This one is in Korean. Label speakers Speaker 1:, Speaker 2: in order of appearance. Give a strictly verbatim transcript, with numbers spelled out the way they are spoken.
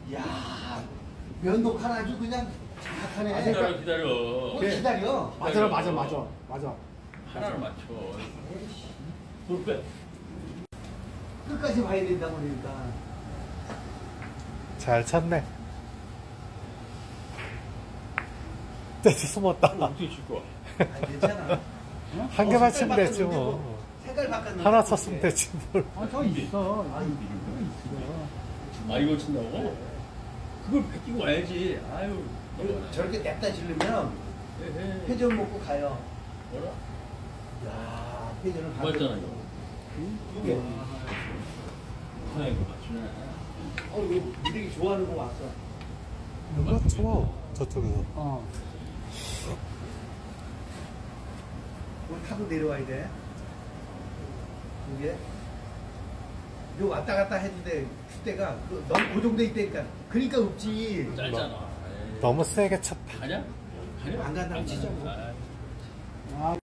Speaker 1: 야 면도 하나 아주 그냥 정확하네.
Speaker 2: 기다려 기다려.
Speaker 1: 뭘 기다려.
Speaker 3: 맞아 맞아 맞아 맞아.
Speaker 2: 하나를 맞춰. 돌 빼.
Speaker 1: 끝까지 봐야 된다고 그러니까.
Speaker 3: 잘 찼네. 떼서 숨었다.
Speaker 2: 어떻게 칠 거야?
Speaker 1: 아, 괜찮아.
Speaker 3: 한 개만 치면 되지 뭐.
Speaker 1: 색깔 바꿨는데.
Speaker 3: 하나 쳤으면 되지 뭘.
Speaker 4: 아, 저 있어.
Speaker 1: 아,
Speaker 4: 여기 있어.
Speaker 2: 아 이걸 친다고? 그걸 베끼고 와야지. 아유.
Speaker 1: 이거 저렇게 냅다 지르면
Speaker 2: 에헤.
Speaker 1: 회전 먹고 가요.
Speaker 2: 뭐라?
Speaker 1: 야 회전을
Speaker 2: 맞잖아 이거.
Speaker 1: 이게.
Speaker 2: 하나 이거 맞추네.
Speaker 1: 어 이거 무대기 좋아하는 거 왔어.
Speaker 3: 누가 쳐 저쪽에서.
Speaker 4: 어.
Speaker 1: 이거 타고 내려와야 돼. 이게 이거 왔다 갔다 해도 돼. 그때가 그 너무 고정돼 있다니까. 그러니까 없지.
Speaker 2: 짧잖아. 에이.
Speaker 3: 너무 세게 쳤다.
Speaker 2: 가냐? 가냐?
Speaker 1: 안 간다고
Speaker 2: 안
Speaker 1: 치자고.
Speaker 2: 가냐?
Speaker 4: 아,